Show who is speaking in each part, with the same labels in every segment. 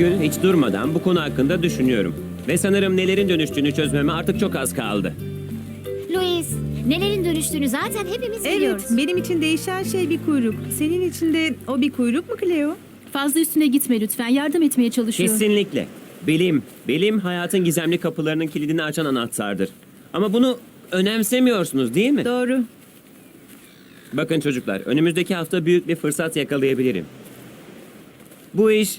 Speaker 1: gün hiç durmadan bu konu hakkında düşünüyorum. Ve sanırım nelerin dönüştüğünü çözmeme artık çok az kaldı.
Speaker 2: Louis, nelerin dönüştüğünü zaten hepimiz
Speaker 3: Evet,
Speaker 2: biliyoruz.
Speaker 3: benim için değişen şey bir kuyruk. Senin için de o bir kuyruk mu Cleo?
Speaker 4: Fazla üstüne gitme lütfen. Yardım etmeye çalışıyor.
Speaker 1: Kesinlikle. Bilim hayatın gizemli kapılarının kilidini açan anahtardır. Ama bunu önemsemiyorsunuz değil mi?
Speaker 3: Doğru.
Speaker 1: Bakın çocuklar, önümüzdeki hafta büyük bir fırsat yakalayabilirim. Bu iş...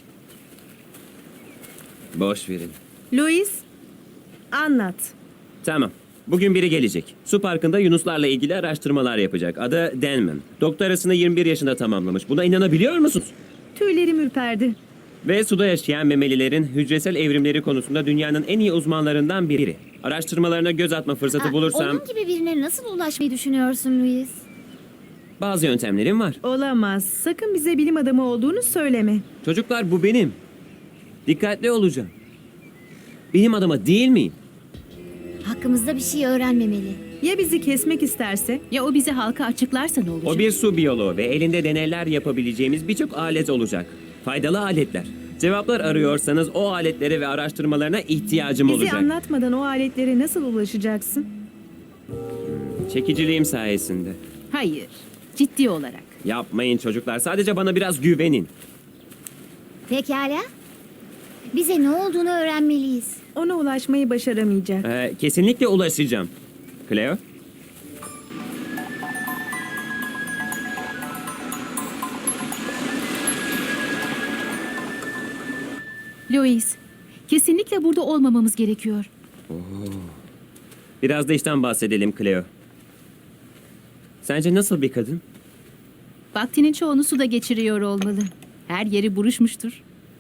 Speaker 1: Boş verin.
Speaker 3: Louis, anlat.
Speaker 1: Tamam. Bugün biri gelecek. Su parkında yunuslarla ilgili araştırmalar yapacak. Adı Denman. Doktorasını 21 yaşında tamamlamış. Buna inanabiliyor musunuz?
Speaker 3: Tüylerim ürperdi.
Speaker 1: Ve suda yaşayan memelilerin hücresel evrimleri konusunda dünyanın en iyi uzmanlarından biri. Araştırmalarına göz atma fırsatı bulursam
Speaker 2: Onun gibi birine nasıl ulaşmayı düşünüyorsun Louis?
Speaker 1: bazı yöntemlerim var.
Speaker 3: Olamaz. Sakın bize bilim adamı olduğunu söyleme.
Speaker 1: Çocuklar bu benim. Dikkatli olacağım. Bilim adamı değil miyim?
Speaker 2: Hakkımızda bir şey öğrenmemeli.
Speaker 3: Ya bizi kesmek isterse?
Speaker 4: Ya o bize halka açıklarsa ne olacak?
Speaker 1: O bir su biyoloğu ve elinde deneyler yapabileceğimiz birçok alet olacak. Faydalı aletler. Cevaplar arıyorsanız o aletlere ve araştırmalarına ihtiyacım
Speaker 3: Bizi
Speaker 1: olacak.
Speaker 3: anlatmadan o aletlere nasıl ulaşacaksın?
Speaker 1: Çekiciliğim sayesinde.
Speaker 4: Hayır. Ciddi olarak.
Speaker 1: Yapmayın çocuklar. Sadece bana biraz güvenin.
Speaker 2: Pekala. Bize ne olduğunu öğrenmeliyiz.
Speaker 3: Ona ulaşmayı başaramayacak.
Speaker 1: Kesinlikle ulaşacağım. Cleo?
Speaker 4: Louis, kesinlikle burada olmamamız gerekiyor.
Speaker 1: Biraz da işten bahsedelim Cleo. Sence nasıl bir kadın?
Speaker 4: Vaktinin çoğunu suda geçiriyor olmalı. Her yeri buruşmuştur.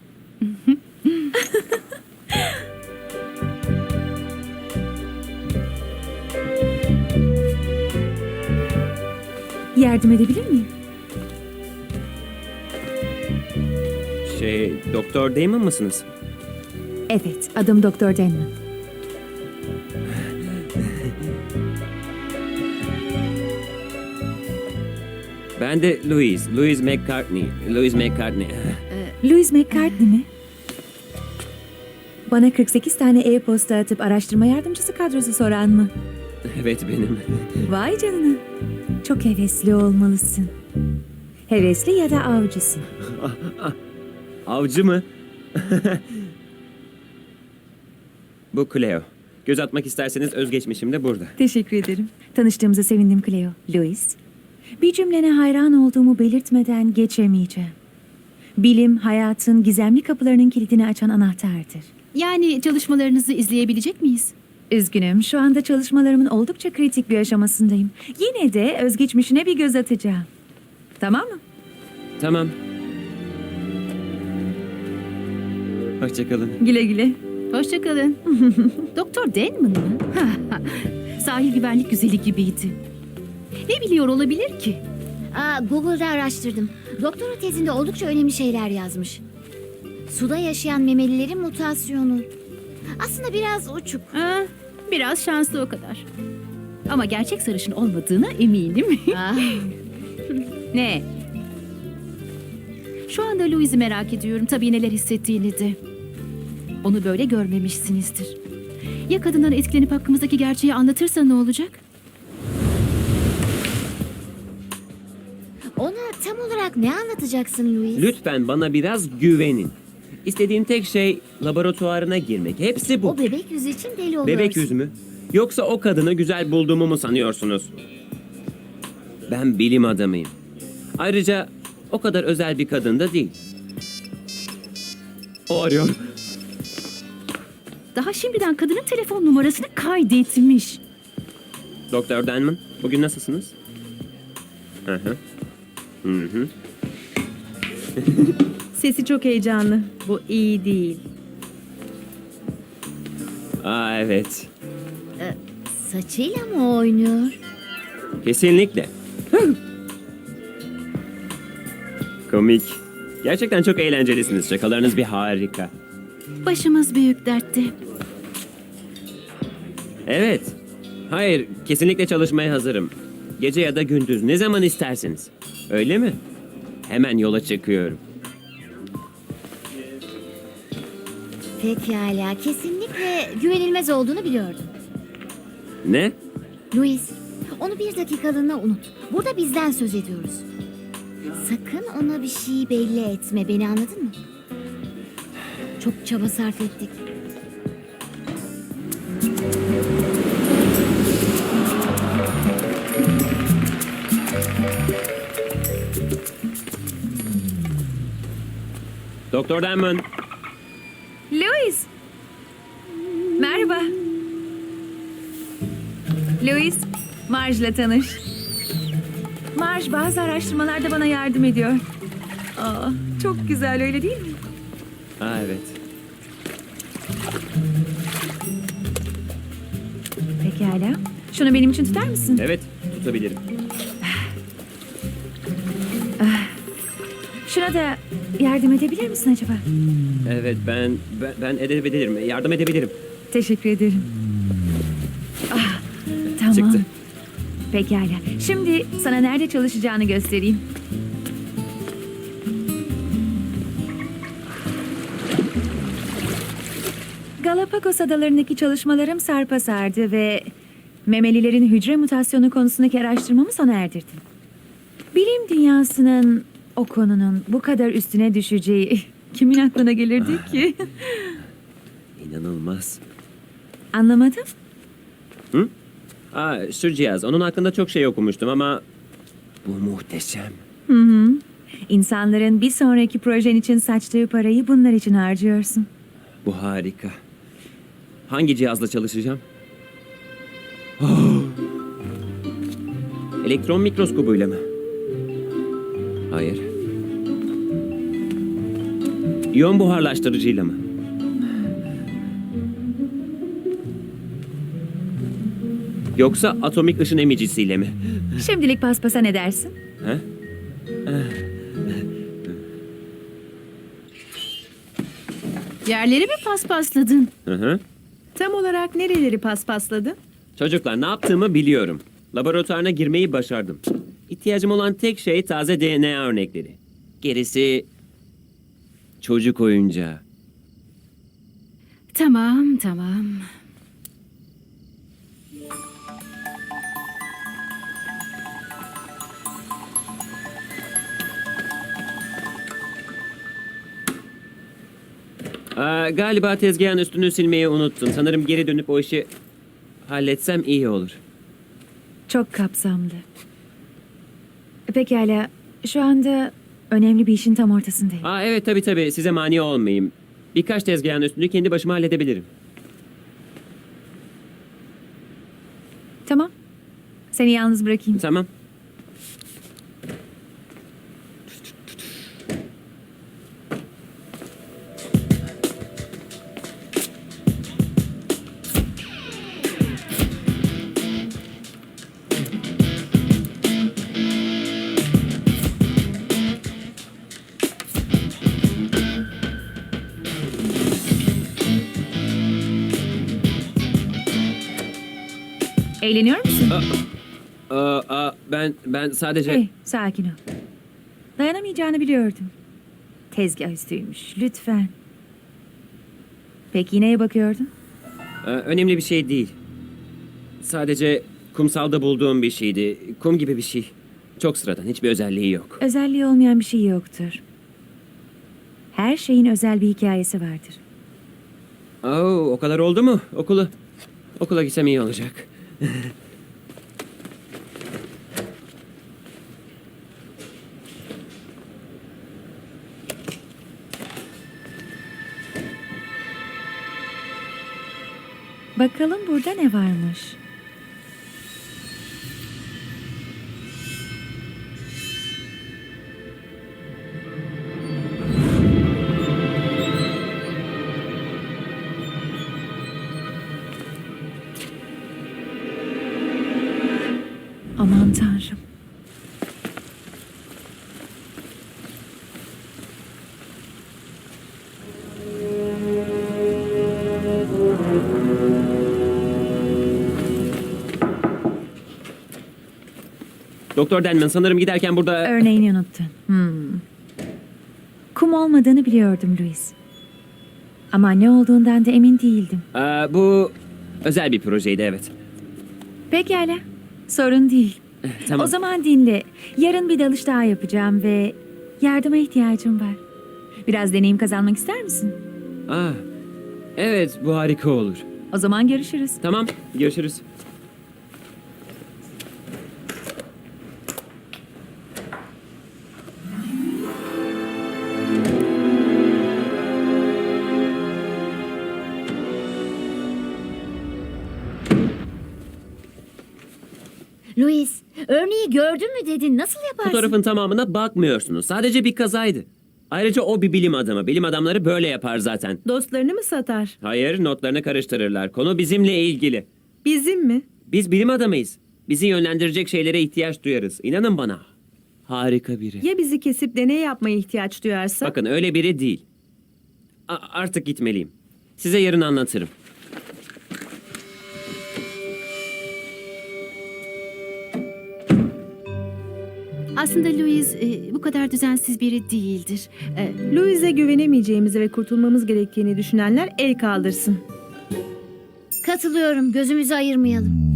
Speaker 5: Yardım edebilir miyim?
Speaker 1: Doktor Damon mısınız?
Speaker 5: Evet, adım Doktor Denman.
Speaker 1: Ben de Louis McCartney. Louis McCartney.
Speaker 5: Louis McCartney mi? Bana 48 tane e-posta atıp araştırma yardımcısı kadrosu soran mı?
Speaker 1: Evet benim.
Speaker 5: Vay canına. Çok hevesli olmalısın. Hevesli ya da avcısın.
Speaker 1: Avcı mı? Bu Cleo. Göz atmak isterseniz özgeçmişim de burada.
Speaker 5: Teşekkür ederim. Tanıştığımıza sevindim Cleo. Louis, bir cümlene hayran olduğumu belirtmeden geçemeyeceğim. Bilim, hayatın gizemli kapılarının kilidini açan anahtardır.
Speaker 4: Yani çalışmalarınızı izleyebilecek miyiz?
Speaker 5: Üzgünüm, şu anda çalışmalarımın oldukça kritik bir aşamasındayım. Yine de özgeçmişine bir göz atacağım. Tamam mı?
Speaker 1: Tamam. Hoşçakalın.
Speaker 5: Güle güle.
Speaker 4: Hoşçakalın. Doktor Denman mı? Sahil güvenlik güzeli gibiydi. Ne biliyor olabilir ki?
Speaker 2: Google'da araştırdım. Doktora tezinde oldukça önemli şeyler yazmış. Suda yaşayan memelilerin mutasyonu. Aslında biraz uçuk.
Speaker 4: Biraz şanslı o kadar. Ama gerçek sarışın olmadığına eminim.
Speaker 2: Ah,
Speaker 4: Ne? Şu anda Louis'i merak ediyorum. Tabii neler hissettiğini de. Onu böyle görmemişsinizdir. Ya kadından etkilenip hakkımızdaki gerçeği anlatırsa ne olacak?
Speaker 2: Ona tam olarak ne anlatacaksın Louis?
Speaker 1: Lütfen bana biraz güvenin. İstediğim tek şey laboratuvarına girmek. Hepsi bu.
Speaker 2: O bebek yüzü için deli oluyorsun.
Speaker 1: Bebek yüz mü? Yoksa o kadını güzel bulduğumu mu sanıyorsunuz? Ben bilim adamıyım. Ayrıca o kadar özel bir kadın da değil. O arıyor.
Speaker 4: Daha şimdiden kadının telefon numarasını kaydetmiş.
Speaker 1: Doktor Denman, bugün nasılsınız? Hı hı. Hı hı.
Speaker 3: Sesi çok heyecanlı. Bu iyi değil.
Speaker 1: Evet.
Speaker 2: Saçıyla mı oynuyor?
Speaker 1: Kesinlikle. Komik. Gerçekten çok eğlencelisiniz. Şakalarınız bir harika.
Speaker 4: Başımız büyük dertte.
Speaker 1: Evet. Hayır, kesinlikle çalışmaya hazırım. Gece ya da gündüz, ne zaman isterseniz. Öyle mi? Hemen yola çıkıyorum.
Speaker 2: Pekala, kesinlikle güvenilmez olduğunu biliyordum.
Speaker 1: Ne?
Speaker 2: Louis, onu bir dakikalığına unut. Burada bizden söz ediyoruz. Sakın ona bir şey belli etme, beni anladın mı? Çok çaba sarf ettik.
Speaker 1: Doktor Denman.
Speaker 5: Louis! Merhaba. Louis, Marge'la tanış. Marge bazı araştırmalarda bana yardım ediyor. Aa, çok güzel öyle değil mi?
Speaker 1: Aa, evet.
Speaker 5: Pekala. Şunu benim için tutar mısın?
Speaker 1: Evet, tutabilirim.
Speaker 5: Şuna da yardım edebilir misin acaba?
Speaker 1: Evet, ben edebilirim. Yardım edebilirim.
Speaker 5: Teşekkür ederim. Ah, tamam.
Speaker 1: Çıktı.
Speaker 5: Pekala. Şimdi sana nerede çalışacağını göstereyim. Galapagos adalarındaki çalışmalarım sarpa sardı ve memelilerin hücre mutasyonu konusundaki araştırmamı sona erdirdim. Bilim dünyasının o konunun bu kadar üstüne düşeceği kimin aklına gelirdi ki?
Speaker 1: İnanılmaz.
Speaker 5: Anlamadım.
Speaker 1: Hı? Aa, şu cihaz. Onun hakkında çok şey okumuştum ama bu muhteşem.
Speaker 5: İnsanların bir sonraki projen için saçtığı parayı bunlar için harcıyorsun.
Speaker 1: Bu harika. Hangi cihazla çalışacağım? Oh! Elektron mikroskobuyla mı? Hayır. İyon buharlaştırıcıyla mı? Yoksa atomik ışın emicisiyle mi?
Speaker 5: Şimdilik paspasa ne dersin?
Speaker 1: Ha?
Speaker 4: Yerleri mi paspasladın?
Speaker 1: Hı hı.
Speaker 3: Tam olarak nereleri paspasladın?
Speaker 1: Çocuklar, ne yaptığımı biliyorum. Laboratuvarına girmeyi başardım. İhtiyacım olan tek şey taze DNA örnekleri. Gerisi çocuk oyuncağı.
Speaker 4: Tamam, tamam.
Speaker 1: Galiba tezgahın üstünü silmeyi unuttum. Sanırım geri dönüp o işi halletsem iyi olur.
Speaker 5: Çok kapsamlı. Pekala. Şu anda önemli bir işin tam ortasındayım.
Speaker 1: Evet, tabii. Size mani olmayayım. Birkaç tezgahın üstünü kendi başıma halledebilirim.
Speaker 5: Tamam. Seni yalnız bırakayım.
Speaker 1: Tamam.
Speaker 5: Eğleniyor musun?
Speaker 1: Ben sadece...
Speaker 5: Hey, sakin ol. Dayanamayacağını biliyordum. Tezgah üstüymüş. Lütfen. Peki neye bakıyordun?
Speaker 1: Önemli bir şey değil. Sadece kumsalda bulduğum bir şeydi. Kum gibi bir şey. Çok sıradan, hiçbir özelliği yok.
Speaker 5: Özelliği olmayan bir şey yoktur. Her şeyin özel bir hikayesi vardır.
Speaker 1: O kadar oldu mu? Okula gitsem iyi olacak.
Speaker 5: Bakalım burada ne varmış? Aman Tanrım.
Speaker 1: Doktor Denman, sanırım giderken burada...
Speaker 5: Örneğini unuttun. Kum olmadığını biliyordum Louis. Ama ne olduğundan da emin değildim.
Speaker 1: Bu özel bir projeydi, evet.
Speaker 5: Pekala, sorun değil.
Speaker 1: Tamam.
Speaker 5: O zaman dinle. Yarın bir dalış daha yapacağım ve yardıma ihtiyacım var. Biraz deneyim kazanmak ister misin?
Speaker 1: Evet, bu harika olur.
Speaker 5: O zaman görüşürüz.
Speaker 1: Tamam, görüşürüz.
Speaker 2: Louis, örneği gördün mü dedin. Nasıl yaparsın?
Speaker 1: Fotoğrafın tamamına bakmıyorsunuz. Sadece bir kazaydı. Ayrıca o bir bilim adamı. Bilim adamları böyle yapar zaten.
Speaker 3: Dostlarını mı satar?
Speaker 1: Hayır, notlarını karıştırırlar. Konu bizimle ilgili.
Speaker 3: Bizim mi?
Speaker 1: Biz bilim adamıyız. Bizi yönlendirecek şeylere ihtiyaç duyarız. İnanın bana. Harika biri.
Speaker 3: Ya bizi kesip deney yapmaya ihtiyaç duyarsa?
Speaker 1: Bakın öyle biri değil. Artık gitmeliyim. Size yarın anlatırım.
Speaker 4: Aslında Louis bu kadar düzensiz biri değildir.
Speaker 3: Louis'e güvenemeyeceğimizi ve kurtulmamız gerektiğini düşünenler el kaldırsın.
Speaker 2: Katılıyorum. Gözümüzü ayırmayalım.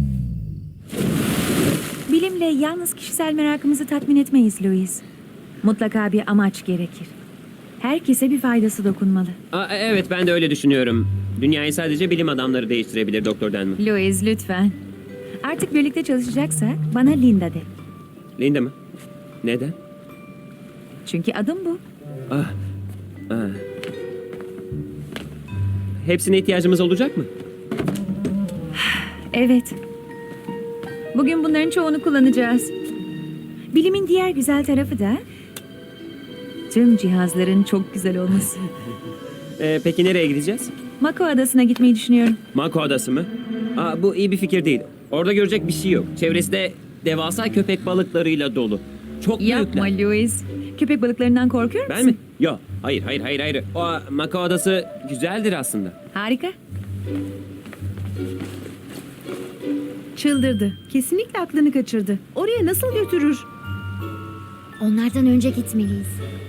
Speaker 5: Bilimle yalnız kişisel merakımızı tatmin etmeyiz Louis. Mutlaka bir amaç gerekir. Herkese bir faydası dokunmalı.
Speaker 1: Evet, ben de öyle düşünüyorum. Dünyayı sadece bilim adamları değiştirebilir Doktor Denman.
Speaker 5: Louis lütfen. Artık birlikte çalışacaksak bana Linda de.
Speaker 1: Linda mı? Neden?
Speaker 5: Çünkü adım bu.
Speaker 1: Hepsine ihtiyacımız olacak mı?
Speaker 5: Evet. Bugün bunların çoğunu kullanacağız. Bilimin diğer güzel tarafı da tüm cihazların çok güzel olması.
Speaker 1: Peki nereye gideceğiz?
Speaker 5: Mako Adası'na gitmeyi düşünüyorum.
Speaker 1: Mako Adası mı? Bu iyi bir fikir değil. Orada görecek bir şey yok. Çevresi de devasa köpek balıklarıyla dolu. Çok
Speaker 5: Yapma
Speaker 1: büyükler.
Speaker 5: Louis. Köpek balıklarından korkuyor musun?
Speaker 1: Ben mi? Yok. Hayır. Mako Adası güzeldir aslında.
Speaker 5: Harika.
Speaker 3: Çıldırdı. Kesinlikle aklını kaçırdı. Oraya nasıl götürür?
Speaker 2: Onlardan önce gitmeliyiz.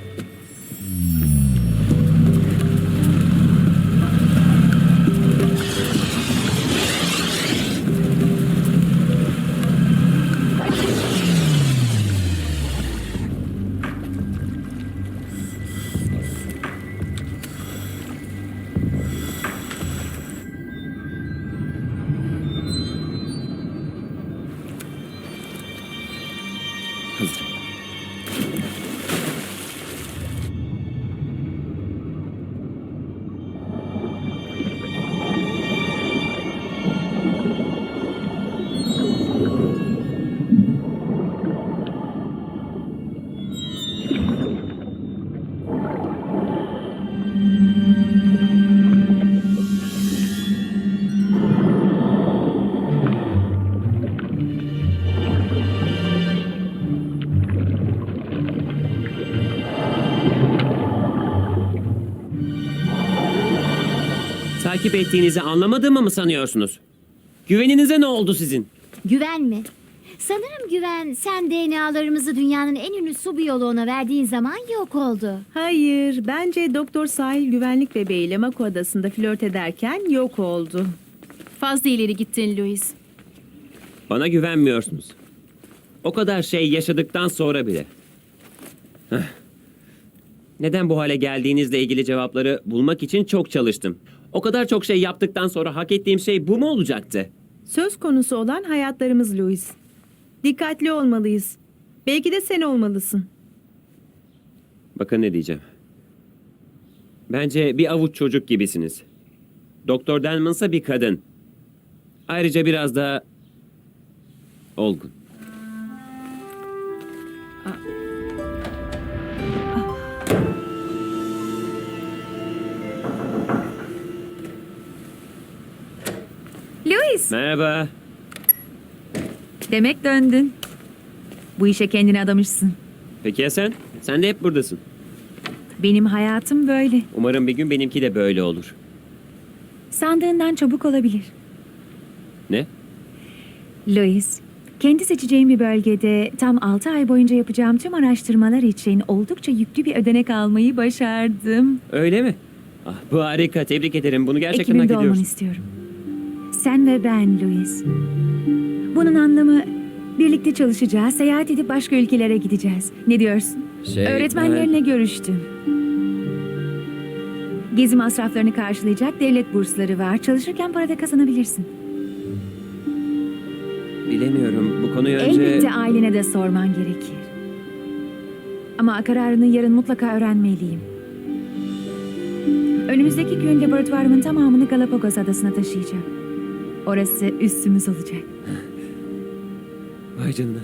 Speaker 1: Hazır. Takip ettiğinizi anlamadığımı mı sanıyorsunuz? Güveninize ne oldu sizin?
Speaker 2: Güven mi? Sanırım güven sen DNA'larımızı dünyanın en ünlü su biyoloğuna verdiğin zaman yok oldu.
Speaker 3: Hayır. Bence Doktor Sahil güvenlik bebeğiyle Mako Adası'nda flört ederken yok oldu.
Speaker 4: Fazla ileri gittin Louis.
Speaker 1: Bana güvenmiyorsunuz. O kadar şey yaşadıktan sonra bile. Heh. Neden bu hale geldiğinizle ilgili cevapları bulmak için çok çalıştım. O kadar çok şey yaptıktan sonra hak ettiğim şey bu mu olacaktı?
Speaker 3: Söz konusu olan hayatlarımız Louis. Dikkatli olmalıyız. Belki de sen olmalısın.
Speaker 1: Bakın ne diyeceğim. Bence bir avuç çocuk gibisiniz. Doktor Denman'sa bir kadın. Ayrıca biraz da olgun.
Speaker 5: Louis,
Speaker 1: Merhaba.
Speaker 5: demek döndün. Bu işe kendini adamışsın.
Speaker 1: Peki ya sen? Sen de hep buradasın.
Speaker 5: Benim hayatım böyle.
Speaker 1: Umarım bir gün benimki de böyle olur.
Speaker 5: Sandığından çabuk olabilir.
Speaker 1: Ne?
Speaker 5: Louis, kendi seçeceğim bir bölgede tam 6 ay boyunca yapacağım tüm araştırmalar için oldukça yüklü bir ödenek almayı başardım.
Speaker 1: Öyle mi? Ah, bu harika. Tebrik ederim. Bunu gerçekten hak
Speaker 5: Ekibimde olmanı
Speaker 1: ediyorsun.
Speaker 5: istiyorum. Sen ve ben Louis. Bunun anlamı birlikte çalışacağız, seyahat edip başka ülkelere gideceğiz. Ne diyorsun? Öğretmenlerine görüştüm. Gezi masraflarını karşılayacak devlet bursları var. Çalışırken para da kazanabilirsin.
Speaker 1: Bilemiyorum. Bu konuyu önce...
Speaker 5: Elbette ailene de sorman gerekir. Ama kararını yarın mutlaka öğrenmeliyim. Önümüzdeki gün laboratuvarımın tamamını Galapagos Adası'na taşıyacağım. Orası üstümüz olacak.
Speaker 1: Vay canına.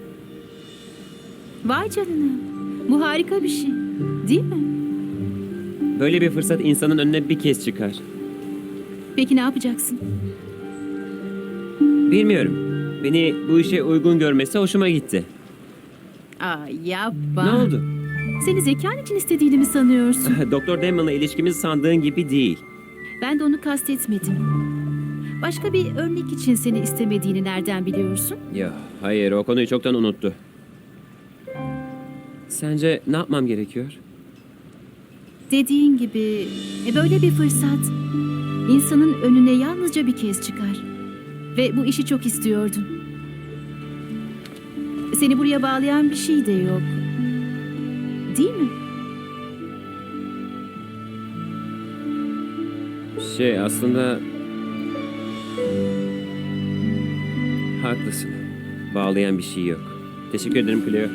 Speaker 4: Vay canına. Bu harika bir şey. Değil mi?
Speaker 1: Böyle bir fırsat insanın önüne bir kez çıkar.
Speaker 4: Peki ne yapacaksın?
Speaker 1: Bilmiyorum. Beni bu işe uygun görmesi hoşuma gitti.
Speaker 4: Aa, yapma.
Speaker 1: Ne oldu?
Speaker 4: Seni zekan için istediğini mi sanıyorsun?
Speaker 1: Doktor Damon'la ilişkimiz sandığın gibi değil.
Speaker 4: Ben de onu kastetmedim. Başka bir örnek için seni istemediğini nereden biliyorsun?
Speaker 1: Ya hayır, o konuyu çoktan unuttu. Sence ne yapmam gerekiyor?
Speaker 4: Dediğin gibi böyle bir fırsat insanın önüne yalnızca bir kez çıkar. Ve bu işi çok istiyordun. Seni buraya bağlayan bir şey de yok. Değil mi?
Speaker 1: Aslında... Haklısın. Bağlayan bir şey yok. Teşekkür ederim Cleo.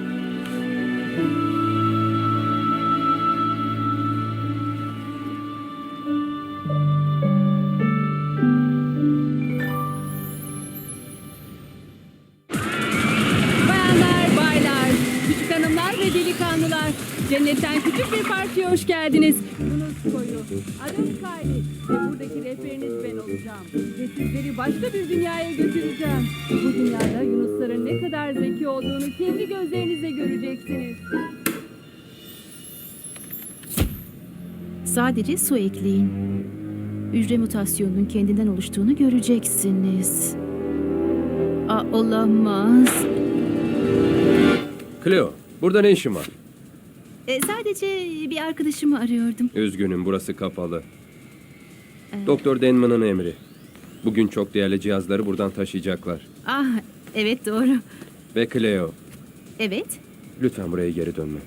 Speaker 6: Bayanlar, baylar, küçük hanımlar ve delikanlılar. Cennetten küçük bir partiye hoş geldiniz. Yunus Koyu, adım Kayli ve buradaki rehberiniz ben olacağım. Ve sizleri başka bir dünyaya götüreceğim. Bu dünyada yunusların ne kadar zeki olduğunu kendi gözlerinizle göreceksiniz.
Speaker 4: Sadece su ekleyin. Hücre mutasyonunun kendinden oluştuğunu göreceksiniz. Olamaz.
Speaker 7: Cleo, burada ne işin var?
Speaker 4: Sadece bir arkadaşımı arıyordum.
Speaker 7: Üzgünüm, burası kapalı. Doktor Denman'ın emri. Bugün çok değerli cihazları buradan taşıyacaklar.
Speaker 4: Ah, evet doğru.
Speaker 7: Ve Cleo,
Speaker 4: Evet.
Speaker 7: lütfen buraya geri dönme.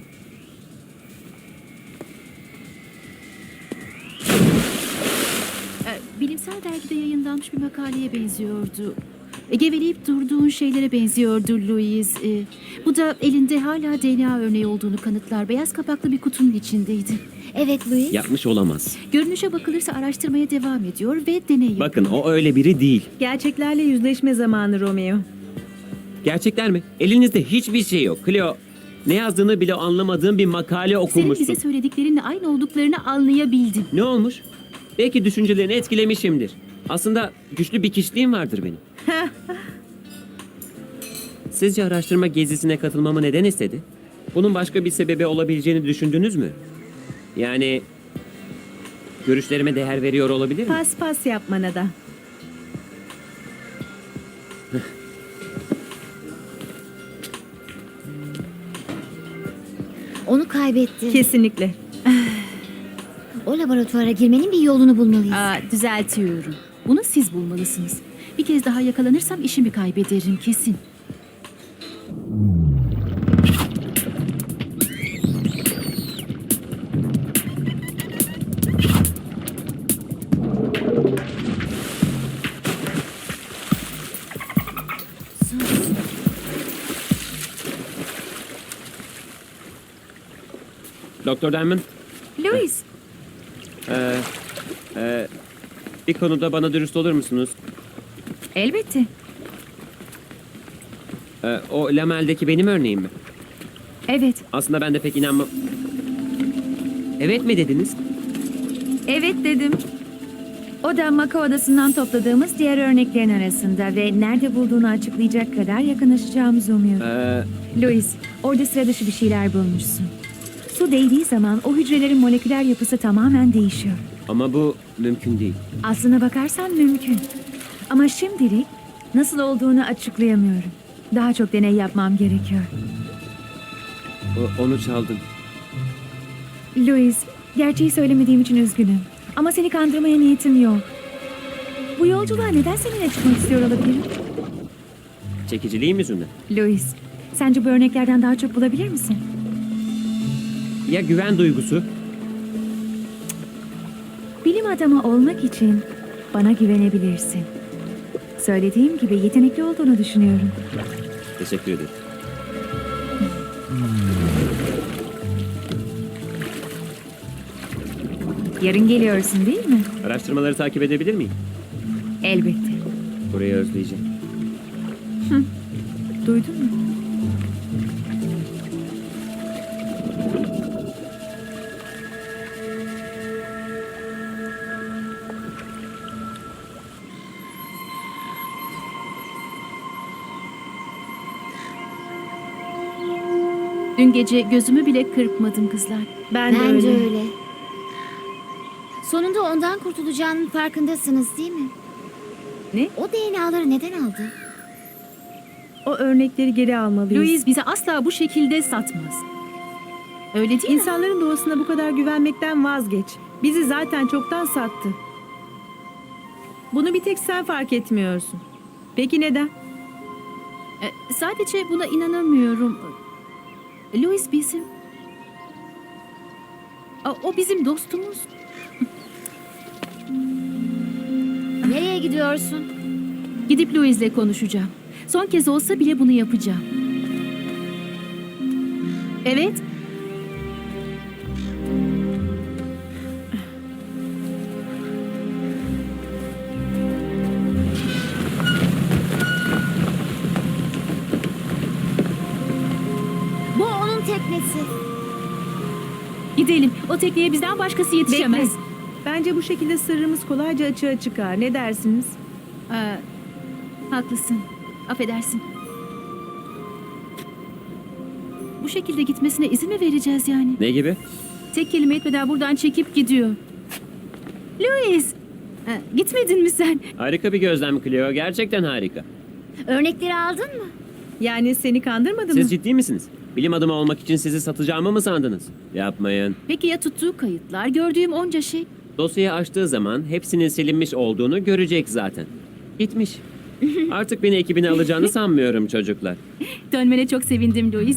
Speaker 4: Bilimsel dergide yayınlanmış bir makaleye benziyordu. Geveleyip durduğun şeylere benziyordu Louise. Bu da elinde hala DNA örneği olduğunu kanıtlar. Beyaz kapaklı bir kutunun içindeydi.
Speaker 2: Evet Louis.
Speaker 1: Yapmış olamaz.
Speaker 4: Görünüşe bakılırsa araştırmaya devam ediyor ve deney yapıyor.
Speaker 1: Bakın, o öyle biri değil.
Speaker 3: Gerçeklerle yüzleşme zamanı Romeo.
Speaker 1: Gerçekler mi? Elinizde hiçbir şey yok. Cleo, ne yazdığını bile anlamadığım bir makale
Speaker 4: Senin
Speaker 1: okumuşsun.
Speaker 4: bize söylediklerinle aynı olduklarını anlayabildim.
Speaker 1: Ne olmuş? Belki düşüncelerini etkilemişimdir. Aslında güçlü bir kişiliğim vardır benim. Sizce araştırma gezisine katılmamı neden istedi? Bunun başka bir sebebi olabileceğini düşündünüz mü? Yani görüşlerime değer veriyor olabilir mi?
Speaker 3: Pas pas yapmana da.
Speaker 2: Onu kaybetti.
Speaker 3: Kesinlikle.
Speaker 2: O laboratuvara girmenin bir yolunu bulmalıyız.
Speaker 4: Düzeltiyorum. Bunu siz bulmalısınız. Bir kez daha yakalanırsam işimi kaybederim kesin.
Speaker 1: Doktor Denman,
Speaker 5: Louis,
Speaker 1: bir konuda bana dürüst olur musunuz?
Speaker 5: elbette.
Speaker 1: O Lamel'deki benim örneğim mi?
Speaker 5: Evet,
Speaker 1: Aslında ben de pek inanmam. Evet mi dediniz?
Speaker 5: evet dedim. O da Maka Odası'ndan topladığımız diğer örneklerin arasında ve nerede bulduğunu açıklayacak kadar yakınlaşacağımızı umuyorum. Louis, orada sıra dışı bir şeyler bulmuşsun. Su değdiği zaman o hücrelerin moleküler yapısı tamamen değişiyor.
Speaker 1: Ama bu mümkün değil.
Speaker 5: Aslına bakarsan mümkün. Ama şimdilik nasıl olduğunu açıklayamıyorum. Daha çok deney yapmam gerekiyor.
Speaker 1: Onu çaldın.
Speaker 5: Louis, Gerçeği söylemediğim için üzgünüm. Ama seni kandırmaya niyetim yok. Bu yolculuğa neden seninle çıkmak istiyor olabilirim?
Speaker 1: Çekiciliğim yüzünden.
Speaker 5: Louis, sence bu örneklerden daha çok bulabilir misin?
Speaker 1: Ya güven duygusu?
Speaker 5: Bilim adamı olmak için bana güvenebilirsin. Söylediğim gibi yetenekli olduğunu düşünüyorum.
Speaker 1: Teşekkür ederim.
Speaker 5: Yarın geliyorsun değil mi?
Speaker 1: Araştırmaları takip edebilir miyim?
Speaker 5: Elbette.
Speaker 1: Burayı özleyeceğim.
Speaker 3: Duydun mu?
Speaker 4: Dün gece gözümü bile kırpmadım kızlar.
Speaker 3: Ben de
Speaker 2: Bence
Speaker 3: öyle.
Speaker 2: öyle. Sonunda ondan kurtulacağının farkındasınız değil mi?
Speaker 3: Ne?
Speaker 2: O DNA'ları neden aldı?
Speaker 3: O örnekleri geri almalıyız.
Speaker 4: Louis bize asla bu şekilde satmaz. Öyle değil mi?
Speaker 3: İnsanların doğasına bu kadar güvenmekten vazgeç. Bizi zaten çoktan sattı. Bunu bir tek sen fark etmiyorsun. Peki neden?
Speaker 4: Sadece buna inanamıyorum. Louis bizim... O bizim dostumuz.
Speaker 2: Nereye gidiyorsun?
Speaker 4: Gidip Louis'le konuşacağım. Son kez olsa bile bunu yapacağım. Evet.
Speaker 2: Bu onun teknesi.
Speaker 4: Gidelim. O tekneye bizden başkası yetişemez.
Speaker 3: Bekle. Bence bu şekilde sırrımız kolayca açığa çıkar. Ne dersiniz?
Speaker 4: Haklısın. Affedersin. Bu şekilde gitmesine izin mi vereceğiz yani?
Speaker 1: Ne gibi?
Speaker 4: Tek kelime etmeden buradan çekip gidiyor. Louis! Gitmedin mi sen?
Speaker 1: Harika bir gözlem Cleo. Gerçekten harika.
Speaker 2: Örnekleri aldın mı?
Speaker 3: Yani seni kandırmadı mı?
Speaker 1: Siz ciddi misiniz? Bilim adamı olmak için sizi satacağımı mı sandınız? Yapmayın.
Speaker 4: Peki ya tuttuğu kayıtlar, gördüğüm onca şey?
Speaker 1: Dosyayı açtığı zaman hepsinin silinmiş olduğunu görecek zaten. Gitmiş. Artık beni ekibine alacağını sanmıyorum çocuklar.
Speaker 4: Dönmene çok sevindim Louis.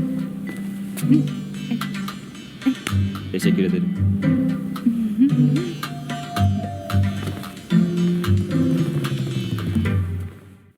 Speaker 1: Teşekkür ederim.